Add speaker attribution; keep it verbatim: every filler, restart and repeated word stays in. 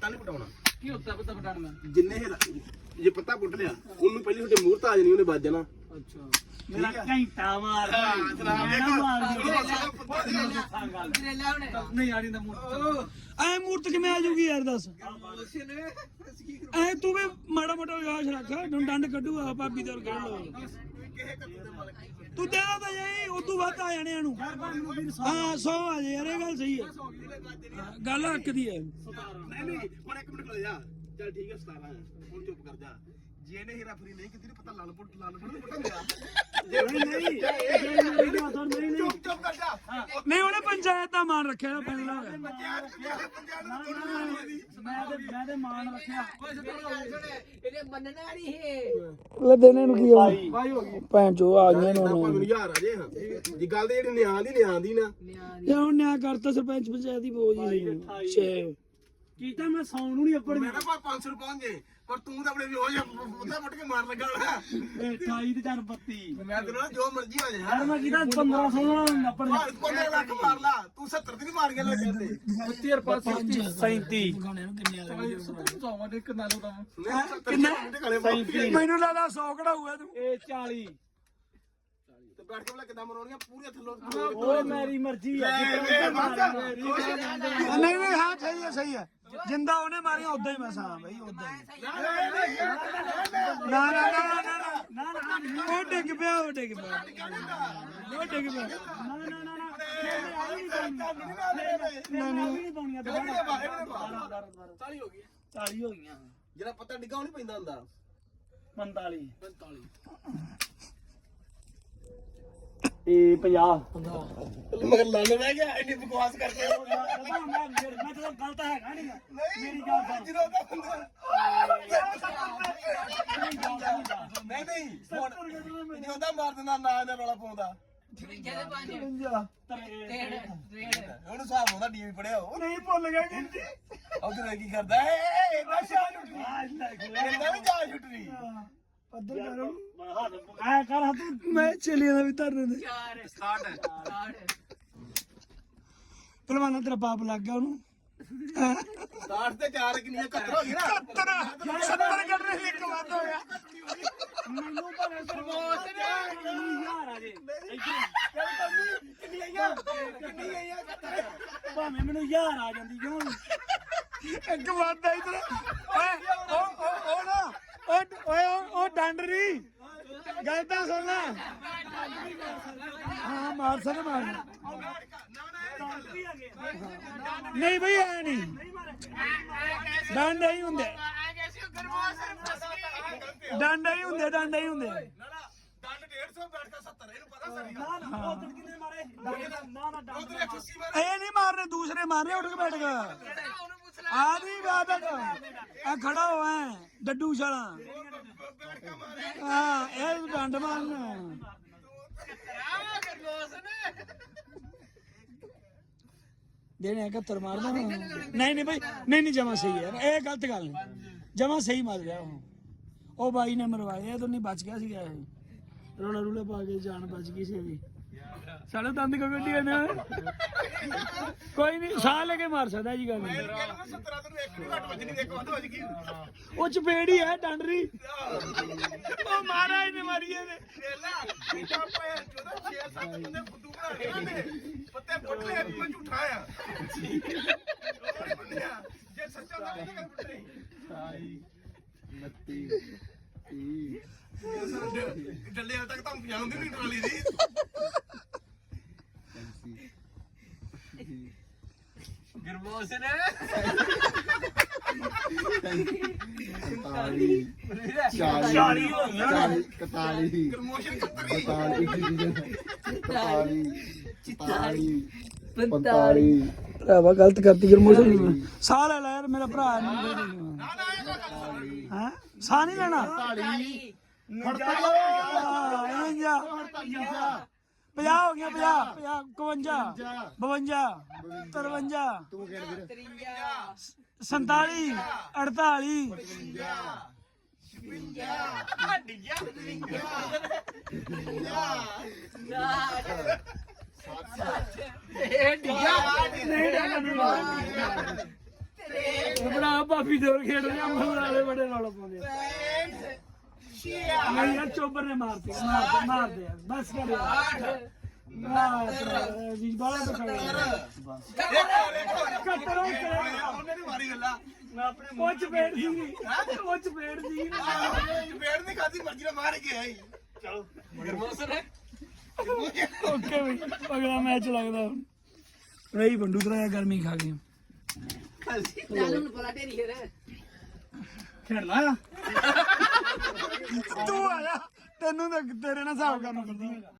Speaker 1: ਪੱਤਾ ਨਹੀਂ ਪਟਾਉਣਾ।
Speaker 2: ਕੀ ਹੁੰਦਾ ਪੱਤਾ ਪਟਾਉਣਾ?
Speaker 1: ਜਿੰਨੇ ਜੇ ਪੱਤਾ ਪੁੱਟ ਲਿਆ ਉਹਨੂੰ ਪਹਿਲੀ ਤੁਹਾਡੇ ਮੂਹਰ ਤਾਂ ਆ ਜਾਣੀ, ਉਹਨੇ ਵੱਜ ਜਾਣਾ।
Speaker 2: ਅੱਛਾ ਮੇਰਾ ਘੰਟਾ ਮਾਰ ਨਹੀਂ ਆੜੀ ਦਾ ਮੂਰਤ ਐ ਮੂਰਤ ਕਿਵੇਂ ਆ ਜੂਗੀ ਯਾਰ ਦੱਸ ਐ ਤੂੰ ਵੀ ਮਾੜਾ ਮੋਟਾ ਵਿਆਹ ਰੱਖ ਡੰਡ ਕੱਢੂਗਾ ਭਾਬੀ ਦੇ ਕੱਢ ਲੋ ਤੂੰ ਦੇਣਾ ਤਾਂ ਜਾਈ ਉਦੋਂ ਵੱਧ ਆ ਜਾਣੇ ਨੂੰ ਹਾਂ ਸੌ ਆ ਜਾ ਯਾਰ ਇਹ ਗੱਲ ਸਹੀ ਹੈ ਗੱਲ ਹੱਕ ਦੀ ਹੈ
Speaker 1: ਨਹੀਂ ਨਹੀਂ ਪਰ ਇੱਕ ਮਿੰਟ ਖੜ ਜਾ ਚੱਲ ਠੀਕ ਹੈ ਸਤਾਰਾਂ ਹੁਣ ਚੁੱਪ ਕਰ ਜਾ ਜੇ ਇਹਨੇ ਹੀਰਾ ਫਰੀ ਨਹੀਂ ਕੀਤੀ ਪਤਾ ਲਾਲ ਪੁੱਟ ਲਾਲ ਪੁੱਟ ਪੁੱਟਾਂਗਾ ਨਹੀਂ ਨਹੀਂ ਚੁੱਪ ਚੁੱਪ ਕਰ ਜਾ
Speaker 2: ਨਹੀਂ ਉਹਨੇ ਪੰਚਾਇਤ ਦਾ ਮਾਨ ਰੱਖਿਆ ਨਾ ਪਹਿਲਾਂ
Speaker 3: ਮੈਂ ਤੇ ਮੈਂ ਤੇ ਮਾਨ ਰੱਖਿਆ
Speaker 4: ਇਹਨੇ ਮੰਨਣਾ ਨਹੀਂ ਹੈ
Speaker 2: ਲੈ ਦੇਣੇ ਨੂੰ ਕੀ ਹੋ
Speaker 1: ਭਾਈ ਹੋ ਗਈ
Speaker 2: ਭੈਣ ਚੋ ਆ ਗਏ
Speaker 1: ਆਪਾਂ
Speaker 2: ਨਾ
Speaker 1: ਮੈਨੂੰ ਯਾਰ ਆ ਜੇ ਹਾਂ ਜੀ ਗੱਲ ਤੇ ਜਿਹੜੀ ਨਿਆਂ ਦੀ ਨਿਆਂ ਦੀ ਨਾ
Speaker 2: ਯਾ ਹੁਣ ਨਿਆ ਕਰਤਾ ਸਰਪੰਚ ਪੰਚਾਇਤ ਦੀ ਬੋਝ ਸੀ ਛੇ
Speaker 3: ਕੀਤਾ ਮੈਂ ਸੌਣ ਨੂੰ ਨਹੀਂ ਅੱਪੜ
Speaker 1: ਮੈਂ ਨਾ ਪੰਜ ਸੌ ਪਹੁੰਚ ਜੇ ਪਰ ਤੂੰ ਤਾਂ ਆਪਣੇ ਵੀ ਹੋ ਜਾ ਉਹਦਾ ਮੁੱਟ ਕੇ ਮਾਰ ਲੱਗਾ ਹੋਣਾ
Speaker 3: ਅਠਾਈ ਤੇ ਚਾਰ ਬੱਤੀ
Speaker 1: ਮੈਂ ਤੈਨੂੰ ਜੋ ਮਰਜ਼ੀ ਹੋ ਜਾ
Speaker 3: ਯਾਰ ਮੈਂ ਕੀਤਾ ਪੰਦਰਾਂ ਸੌ ਅੱਪੜ
Speaker 1: ਪੰਦਰਾਂ ਲੱਖ ਮਾਰ ਲਾ ਤੂੰ ਸੱਤਰ ਦੀ ਨਹੀਂ ਮਾਰ ਗਿਆ ਲੱਗੇ ਤੇ
Speaker 3: ਬੱਤੀ ਹਜ਼ਾਰ ਪੰਜ ਸੌ ਸੈਂਤੀ
Speaker 2: ਗਾਣੇ ਨੂੰ ਕਿੰਨੇ ਆ ਗਏ
Speaker 3: ਸੌਵਾਂ ਦੇ ਕਿੰਨਾ ਲੋ
Speaker 1: ਕਿੰਨੇ
Speaker 2: ਮੈਨੂੰ ਲੱਗਦਾ ਸੌ ਕਢਾਊਗਾ ਤੂੰ
Speaker 3: ਇਹ ਚਾਲੀ
Speaker 1: ਤੇ ਬੈਠ ਕੇ ਬਲਾ ਕਿਦਾਂ ਮਰੋਣੀਆਂ ਪੂਰੀਆਂ ਥੱਲੋਂ
Speaker 3: ਓਏ ਮੇਰੀ ਮਰਜ਼ੀ ਆ
Speaker 2: ਨਹੀਂ ਨਹੀਂ ਹਾਂ ਸਹੀ ਹੈ ਸਹੀ ਹੈ ਜਿੰਦਾ ਉਹਨੇ ਮਾਰੀਆਂ ਉਦਾਂ ਹੀ ਮੈਂ ਹਾਂ ਬਈ ਉਦਾਂ ਹੀ ਨਾ ਨਾ ਨਾ ਨਾ ਨਾ ਨਾ ਉਹ ਡਿੱਗ ਪਿਆ ਉਹ ਡਿੱਗ ਪਿਆ ਉਹ ਡਿੱਗ ਪਿਆ
Speaker 3: ਨਾ ਨਾ ਨਾ ਨਾ ਨਹੀਂ ਪਾਉਣੀਆਂ
Speaker 1: ਚਾਲੀ ਹੋ ਗਈ
Speaker 3: ਚਾਲੀ ਹੋ ਗਈਆਂ
Speaker 1: ਜਿਹੜਾ ਪੱਤਾ ਡਿੱਗਾ ਉਹ ਨਹੀਂ ਪੈਂਦਾ ਹੁੰਦਾ
Speaker 3: ਪੰਤਾਲੀ ਇਹ ਪੰਜਾਹ
Speaker 1: ਮਗਰ ਲੰਨ ਰਹਿ ਗਿਆ ਇੰਨੀ ਬਕਵਾਸ ਕਰਕੇ
Speaker 3: ਮੈਂ ਤਾਂ ਗਲਤ ਹੈਗਾ ਨਹੀਂ ਮੇਰੀ ਗੱਲ ਸੁਣ
Speaker 1: ਜਦੋਂ ਦਾ ਬੰਦਾ ਨਹੀਂ ਨਹੀਂ ਹੁਣ ਜਦੋਂ ਦਾ ਮਾਰ ਦਿੰਦਾ ਨਾ ਇਹਦਾ ਰੌਲਾ ਪਾਉਂਦਾ ਹੁਣ ਹਿਸਾਬ ਹੁੰਦਾ ਡੀਵੀ ਪੜਿਆ ਉਹ
Speaker 3: ਨਹੀਂ ਭੁੱਲ ਗਿਆ ਕਿ
Speaker 1: ਉਧਰ ਕੀ ਕਰਦਾ ਏ ਇਹਦਾ ਸ਼ਾਹ ਛੁੱਟੀ ਇਹਦਾ ਵੀ ਜਾ ਛੁੱਟਣੀ
Speaker 2: ਪੱਧਰ ਕਰੋ
Speaker 3: ਐ ਕਰ ਤੂੰ
Speaker 2: ਮੈਂ ਚਲੀ ਜਾਂਦਾ ਵੀ ਧਰਨੇ ਦੇ ਪਹਿਲਵਾਨਾਂ ਤੇਰਾ ਪਾਪ ਲੱਗ ਗਿਆ ਉਹਨੂੰ
Speaker 1: ਸਾਠ ਤੇ ਚਾਰ ਕਿੰਨੀਆਂ ਕੱਟਰ ਹੋ ਗਈ ਨਾ
Speaker 2: ਸੱਤਰ ਸੱਤਰ ਕੱਢਣੇ ਸੀ ਇੱਕ ਵੱਧ ਹੋ ਗਿਆ
Speaker 3: ਮੈਨੂੰ ਭਾਵੇਂ ਸਰਮੋਸ ਯਾਰ ਆ ਜੇ
Speaker 1: ਕਿੰਨੀ ਆਈਆਂ ਕਿੰਨੀ ਆਈਆਂ ਕੱਟਰ
Speaker 3: ਭਾਵੇਂ ਮੈਨੂੰ ਯਾਰ ਆ ਜਾਂਦੀ ਕਿਉਂ
Speaker 2: ਇੱਕ ਵੱਧ ਆ ਇਧਰ ਓਏ ਉਹ ਉਹ ਉਹ ਨਾ ਉਹ ਓਏ ਉਹ ਡੰਡਰੀ ਗੱਲ ਤਾਂ ਸੁਣ ਲੈ ਹਾਂ ਮਾਰ ਸਕ ਮਾਰ ਨਹੀਂ ਬਈ ਐ ਨਹੀਂ ਡੰਡ ਹੀ ਹੁੰਦੇ ਡੰਡ ਹੀ ਹੁੰਦੇ ਡੰਡ ਹੀ ਹੁੰਦੇ
Speaker 1: ਦੰਡ ਡੇਢ ਸੌ ਬੈਠ ਕੇ ਸੱਤਰ ਇਹਨੂੰ ਪਤਾ ਸਰ
Speaker 3: ਨਾ ਨਾ ਉਹ ਕਿੰਨੇ ਮਾਰੇ ਨਾ ਨਾ ਡਾਂਗ
Speaker 1: ਉਧਰ ਇੱਕ ਅੱਸੀ ਮਾਰੇ
Speaker 2: ਇਹ ਨਹੀਂ ਮਾਰਨੇ ਦੂਸਰੇ ਮਾਰਨੇ ਉੱਠ ਕੇ ਬੈਠ ਕੇ ਆ ਨਹੀਂ ਬਾਤ ਆ ਖੜਾ ਹੋਇਆ ਡੱਡੂ ਛਾਲਾ ਹਾਂ ਇਹ ਡੰਡ ਮਾਰਨਾ ਦੇਣੇ ਇਕੱਤਰ ਮਾਰਦਾ ਨਹੀਂ ਨਹੀਂ ਬਈ ਨਹੀਂ ਨਹੀਂ ਜਮਾ ਸਹੀ ਹੈ ਇਹ ਗਲਤ ਗੱਲ ਨਹੀਂ ਜਮਾ ਸਹੀ ਮਾਰ ਰਿਹਾ ਉਹ ਉਹ ਬਾਈ ਨੇ ਮਰਵਾਇਆ ਇਹ ਤਾਂ ਨਹੀਂ ਬਚ ਗਿਆ ਸੀਗਾ ਇਹ ਰੋਲਾ ਰੂਲੇ ਪਾ ਕੇ ਜਾਨ ਬਚ ਗਈ ਸੀ ਇਹਦੀ ਸਾਡਾ ਦੰਦ ਕੋ ਗੱਡੀ ਨੇ ਕੋਈ ਨਹੀਂ ਸਾਹ ਲੈ ਕੇ ਮਾਰ ਸਕਦਾ ਜੀ ਗੱਲ
Speaker 1: ਸੱਤਰਾਂ ਤੋਂ ਇੱਕ ਵੀ ਘੱਟ ਵੱਜਣੀ ਇੱਕ ਵੱਧ ਵੱਜ ਗਈ
Speaker 2: ਉਹ ਚਪੇੜੀ ਹੈ ਡੰਡਰੀ ਉਹ ਮਾਰਾ ਇਹਨੇ ਮਾਰੀ ਇਹਨੇ
Speaker 1: ਵੇਲਾ ਪਾਪਾ ਚੌਦਾਂ ਛੇ ਸੱਤ ਬੰਦੇ ਫੁੱਦੂ ਬਣਾ ਕੇ ਨਾ ਪੱਤੇ ਪੁੱਟ ਲਿਆ ਮੈਂ ਝੂਠਾ ਆ ਜੇ ਸੱਚਾ ਤਾਂ ਨਹੀਂ ਗੱਲ ਪੁੱਟ ਰਹੀ
Speaker 5: ਉਨੱਤੀ ਤੀਹ
Speaker 1: ਡੱਲੇ ਤੱਕ ਤਾਂ ਪਹੁੰਚਾਉਂਦੀ ਨਹੀਂ ਟਰਾਲੀ ਦੀ
Speaker 4: ਗਰਮੋਸ ਨੇ
Speaker 5: ਇਕਤਾਲੀ ਚਾਲੀ ਇਕਤਾਲੀ
Speaker 1: ਪ੍ਰਮੋਸ਼ਨ ਕੱਤਰੀ
Speaker 5: ਇਕਤਾਲੀ ਇਕਤਾਲੀ ਪੰਤਾਲੀ
Speaker 2: ਭਰਾਵਾ ਗਲਤ ਕਰਤੀ ਗਰਮੋਸ਼ਨ ਸਾਹ ਲੈ ਲੈ ਯਾਰ ਮੇਰਾ ਭਰਾ ਹਾਂ ਸਾਹ ਨਹੀਂ ਲੈਣਾ ਪੰਜਾਹ ਹੋ ਗਿਆ ਪੰਜਾਹ ਪੰਜਾਹ ਇਕਵੰਜਾ ਬਵੰਜਾ ਤਰਵੰਜਾ ਸੰਤਾਲੀ ਅੜਤਾਲੀ ਭਰਾ ਭਾਬੀ ਦੋਰ ਖੇਡ ਰਿਹਾ ਮਗਰ ਵਾਲੇ ਬੜੇ ਰੌਲਾ ਪਾਉਂਦੇ ਆ। ਨਹੀਂ ਯਾਰ ਚੋਬਰ ਨੇ ਮਾਰਤੇ ਮਾਰਦੇ ਮਾਰਦੇ ਯਾਰ ਬਸ ਕਰ ਯਾਰ ਵੀ ਬਾਲਾ ਤਾਂ ਕੱਟਰੋ
Speaker 1: ਉਹਨੇ ਨਹੀਂ ਮਾਰੀ ਗੱਲਾਂ ਮੈਂ ਆਪਣੇ
Speaker 2: ਉਹ ਚਪੇੜ ਸੀ ਉਹ ਚਪੇੜ ਸੀ
Speaker 1: ਪੇੜ ਨਹੀਂ ਖਾਦੀ ਮਰਜ਼ੀ ਨਾਲ ਮਾਰ ਕੇ ਆਈ ਚਲੋ
Speaker 4: ਗਰਮੋਸਨ ਹੈ
Speaker 2: ਓਕੇ ਬਈ ਅਗਲਾ ਮੈਚ ਲੱਗਦਾ ਹੁਣ ਰਹੀ ਬੰਡੂ ਤਰਾ ਗਰਮੀ ਖਾ ਗਏ
Speaker 4: ਚੱਲ ਹੁਣ ਪਲਾ ਢੇਰੀ ਹੈ
Speaker 1: ਖੇਡ ਲਾ
Speaker 2: ਤੂੰ ਆਇਆ ਤੈਨੂੰ ਤਾਂ ਤੇਰੇ ਨਾਲ ਹਿਸਾਬ ਕਰਨਾ ਪੈਂਦਾ